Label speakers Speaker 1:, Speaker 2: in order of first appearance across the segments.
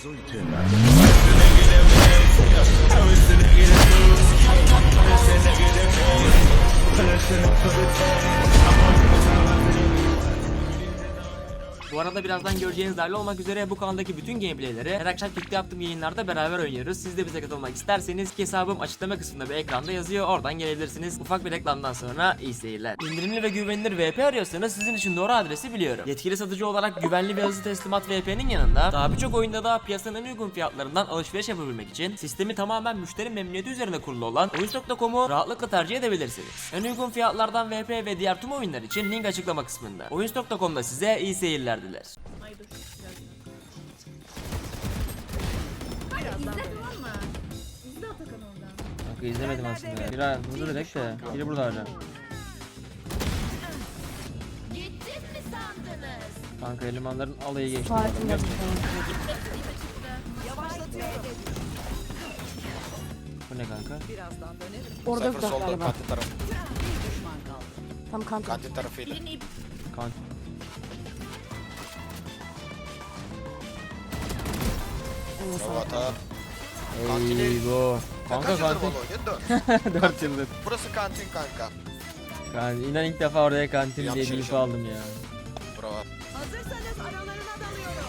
Speaker 1: Bu arada birazdan göreceğiniz dahil olmak üzere bu kanaldaki bütün gameplayleri her akşam birlikte yaptığım yayınlarda beraber oynuyoruz. Siz de bize katılmak isterseniz hesabım açıklama kısmında bir ekranda yazıyor. Oradan gelebilirsiniz. Ufak bir reklamdan sonra iyi seyirler. İndirimli ve güvenilir VP arıyorsanız sizin için doğru adresi biliyorum. Yetkili satıcı olarak güvenli ve hızlı teslimat VP'nin yanında daha birçok oyunda da piyasanın en uygun fiyatlarından alışveriş yapabilmek için sistemi tamamen müşteri memnuniyeti üzerine kurulu olan Oyuncu.com'u rahatlıkla tercih edebilirsiniz. En uygun fiyatlardan VP ve diğer tüm oyunlar için link açıklama kısmında. Oyuncu.com'da size iyi seyirler diler.
Speaker 2: Ay dur. İzle tamam mı? İzle Atakan oradan.
Speaker 1: Kanka izlemedim aslında. Biri burada direkt de. Biri burada hala.
Speaker 2: Gittim mi sandınız?
Speaker 1: Kanka elemanların alayı geçti.
Speaker 3: Farkında.
Speaker 1: Bu ne kanka?
Speaker 3: Orada
Speaker 4: Cypher
Speaker 3: bir
Speaker 4: solda
Speaker 3: galiba.
Speaker 4: kantin tarafı.
Speaker 3: Tam kanka.
Speaker 4: Kantin tarafıydı.
Speaker 2: Birini ip
Speaker 1: Kan.
Speaker 4: Bravo ata. Kantini-
Speaker 1: Eyvah. Kanka
Speaker 4: Kaç yıldır
Speaker 1: kantin.
Speaker 4: Bolo? Yedi.
Speaker 1: 4 yıldır.
Speaker 4: Burası kantin kanka.
Speaker 1: Kanka inan ilk defa oraya kantin diye
Speaker 4: Yanlış
Speaker 1: bir info
Speaker 4: yaşadım.
Speaker 1: aldım ya.
Speaker 4: Bravo.
Speaker 2: hazırsanız aralarına dalıyorum.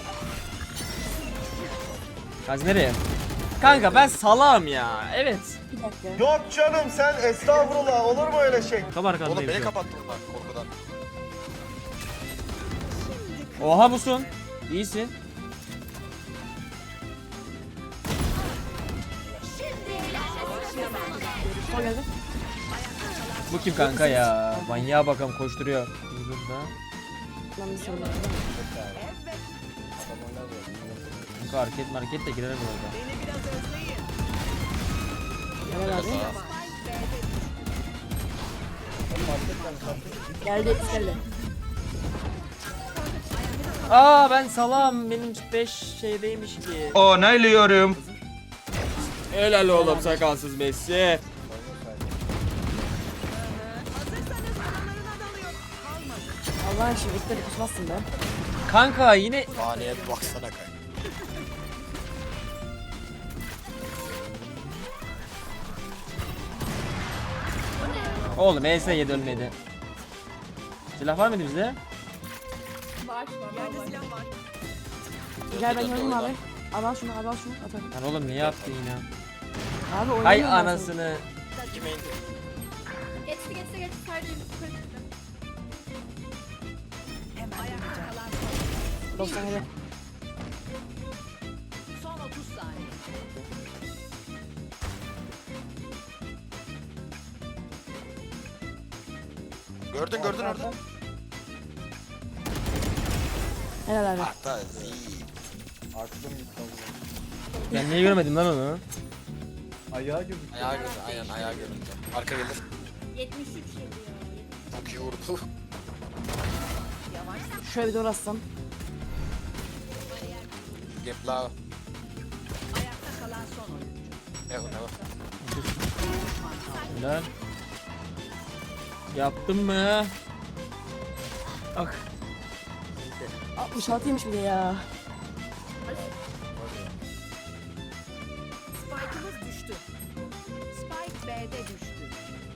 Speaker 1: Kanka nereye? Kanka ben salam ya. Evet.
Speaker 3: Bir dakika.
Speaker 5: Yok canım sen estağfurullah olur mu öyle şey?
Speaker 1: Tam
Speaker 4: Oğlum
Speaker 1: arkandayım.
Speaker 4: beni
Speaker 1: şu an.
Speaker 4: kapattı bunlar korkudan.
Speaker 1: Oha busun. İyisin.
Speaker 3: Sol geldi.
Speaker 1: Bu kim kanka ya? Manyağa bakalım koşturuyor. Burada.
Speaker 3: Lan bir sorun.
Speaker 1: Kanka market de girer bu arada.
Speaker 3: Helal abi. Geldi geldi.
Speaker 1: Aa ben salam. Benim 5 şeydeymiş ki.
Speaker 5: Onaylıyorum.
Speaker 1: Helal oğlum sakalsız Messi.
Speaker 3: Allah'ın şimdi ilk de kusmazsın be.
Speaker 1: Kanka yine
Speaker 4: Haneye bir baksana kanka.
Speaker 1: oğlum ES7 ölmedi. Silah var mıydı bizde?
Speaker 3: Gel ben gördüm abi. Al şunu al şunu atalım.
Speaker 1: Lan oğlum niye attın yine?
Speaker 3: Abi
Speaker 1: Hay
Speaker 3: oynamıyorum ben
Speaker 1: anasını.
Speaker 4: Kime indi?
Speaker 2: Geçti. Sadece yukarı gitti.
Speaker 3: seni. 97.
Speaker 2: Son 30 saniye.
Speaker 4: Gördün orada.
Speaker 3: Helal abi.
Speaker 4: Hatta zi.
Speaker 1: Ben niye görmedim lan onu?
Speaker 5: Ayağa girdik.
Speaker 4: Ayağı gördü aynen ayağı göründü. Arka gelir.
Speaker 2: 73 yedi ya.
Speaker 4: Çok iyi vurdu.
Speaker 3: Şöyle bir dolaşsam.
Speaker 4: Gepla.
Speaker 2: Ayakta kalan son oyuncu.
Speaker 4: Ne o.
Speaker 1: Helal. Yaptın mı? Ak.
Speaker 3: 66'ymış bir de ya.
Speaker 2: Spike'ımız düştü. Spike B'de düştü.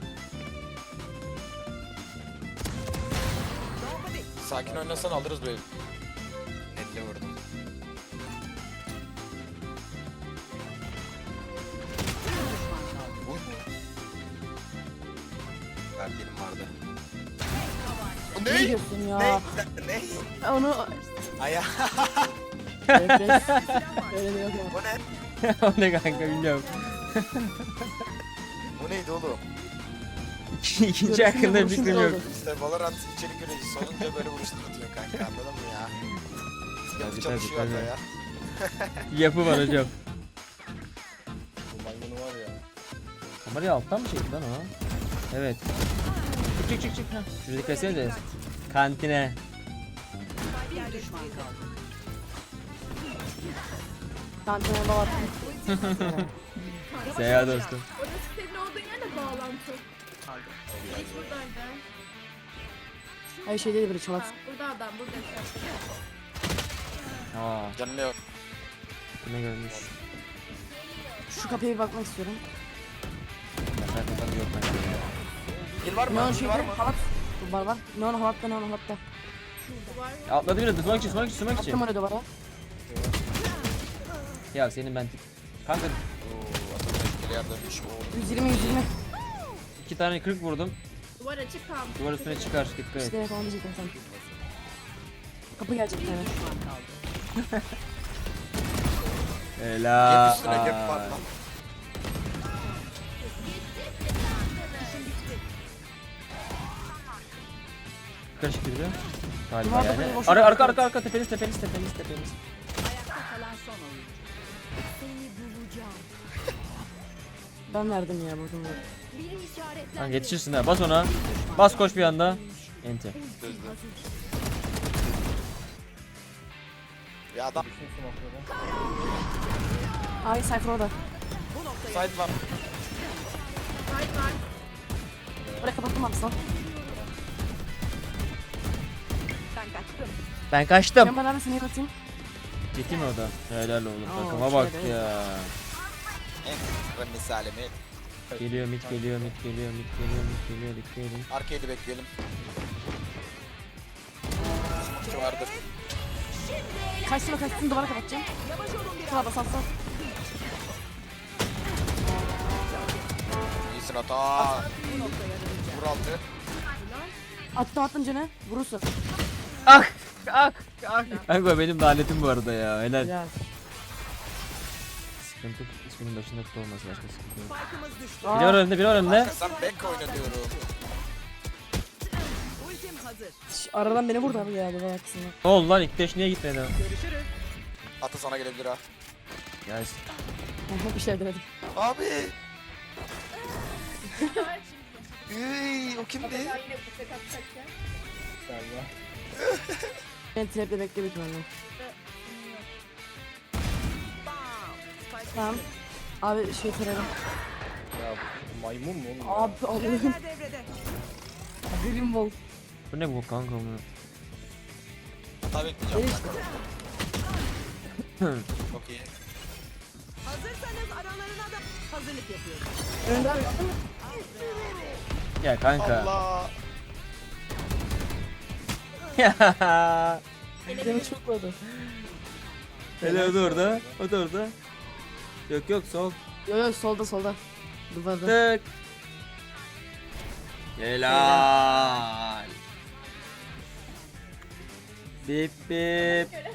Speaker 4: Sakin oynasan alırız böyle. Netle vurdum. Verdiğim vardı. Bu
Speaker 3: Ne
Speaker 4: ne?
Speaker 3: diyorsun ya?
Speaker 4: Ne?
Speaker 3: Onu
Speaker 4: Aya.
Speaker 3: refres. Öyle de yok ya.
Speaker 4: Bu ne?
Speaker 1: O ne kanka bilmiyorum.
Speaker 4: Bu neydi oğlum?
Speaker 1: İkinci hakkında bir
Speaker 3: Görüşüm
Speaker 1: fikrim yok.
Speaker 3: oldu.
Speaker 4: İşte Valorant içerik üreticisi olunca böyle vuruşlar atıyor kanka anladın mı ya? Yapı
Speaker 1: Tabii,
Speaker 4: çalışıyor
Speaker 1: tabii,
Speaker 4: hatta ya.
Speaker 1: Yapı var hocam.
Speaker 5: Bu maymunu var ya.
Speaker 1: Kamerayı alttan mı çekti lan o? Evet. Çık. Heh. Şuradaki kesene de. Kantine.
Speaker 3: Kantine bağlattım.
Speaker 1: Seyahat dostum.
Speaker 2: Orası senin olduğun yerle bağlantı. Hiç buradaydı.
Speaker 3: Hayır şey değil böyle çalat.
Speaker 2: Burada adam burada.
Speaker 1: Aa.
Speaker 4: Canım yok.
Speaker 1: Ne görmüş?
Speaker 3: Şu kapıya bir bakmak istiyorum.
Speaker 1: Yok bence ya.
Speaker 4: Gel var mı?
Speaker 3: Neon
Speaker 4: Gel
Speaker 3: şeyde
Speaker 4: var mı?
Speaker 3: halat. Var. Neon halatta.
Speaker 2: Duvar
Speaker 1: Ya atladı biraz. Smoke için.
Speaker 3: Attım oraya duvara.
Speaker 1: Ya senin ben kanka
Speaker 4: Oo, atılacak yer dönmüş. Oo.
Speaker 3: 120.
Speaker 1: 2 tane 40 vurdum.
Speaker 2: duvar açık kalmış.
Speaker 1: Duvar üstüne çıkar. Dikkat et.
Speaker 3: İşte evet onu diyecektim sen. Kapı gelecek yani.
Speaker 1: Helal.
Speaker 4: Gap üstüne gap var lan.
Speaker 1: Karışık girdi. Galiba
Speaker 3: Duvarda
Speaker 1: yani.
Speaker 3: böyle boş
Speaker 1: Arka tepeniz.
Speaker 3: Ben verdim ya buradan.
Speaker 1: Kanka yetişirsin ha. Bas ona. Bas koş bir anda. Enti.
Speaker 4: Ya adam
Speaker 5: Bütün smoke'ları.
Speaker 3: Ay Cypher orada.
Speaker 4: side var.
Speaker 2: Side var.
Speaker 3: Oraya kapattım aslında.
Speaker 1: Ben kaçtım.
Speaker 3: Ben bana seni atayım.
Speaker 1: Gitti mi o da? Helal oğlum.
Speaker 3: Oo,
Speaker 1: Takıma bak
Speaker 3: şöyle.
Speaker 1: ya.
Speaker 4: En kısa misalimi.
Speaker 1: Geliyor mid. Dikkat edin.
Speaker 4: Arcade'i bekleyelim. Smoke vardır.
Speaker 3: Kaçtım duvara kapatacağım. Şuna bas atsan.
Speaker 4: İyisin hata. Vur altı.
Speaker 3: Attım canı. Vurursun.
Speaker 1: Kanka benim lanetim bu arada ya. Helal.
Speaker 3: Ya.
Speaker 1: Sıkıntı isminin başında tut olması başka sıkıntı yok.
Speaker 3: Aa,
Speaker 1: Biri var önümde.
Speaker 4: Arkasından back oynatıyorum.
Speaker 3: aradan beni vurdu abi ya duvar arkasına.
Speaker 1: Ne oldu lan? İlk deş niye gitmedi?
Speaker 4: Atı sana gelebilir ha.
Speaker 1: Gelsin.
Speaker 3: Bir şey denedim.
Speaker 4: Abi. O kimdi?
Speaker 2: Yine bıçak atacak ya.
Speaker 5: Galiba.
Speaker 3: Ben traple bekle büyük ihtimalle. Tamam. Abi şey kırarım.
Speaker 5: Ya bu maymun mu oğlum? ya?
Speaker 3: Abi Allah'ım. Grim Wall.
Speaker 1: Bu ne bu kanka bu?
Speaker 4: Hata bekleyeceğim.
Speaker 3: Gel işte.
Speaker 4: Çok iyi.
Speaker 3: Önde abi.
Speaker 1: Ya kanka.
Speaker 4: Allah.
Speaker 1: Ya.
Speaker 3: Demin çok vurdu.
Speaker 1: Hele o da orada. O da orada. Yok sol.
Speaker 3: Yo solda. Duvarda.
Speaker 1: Tık. Helal. Bip bip.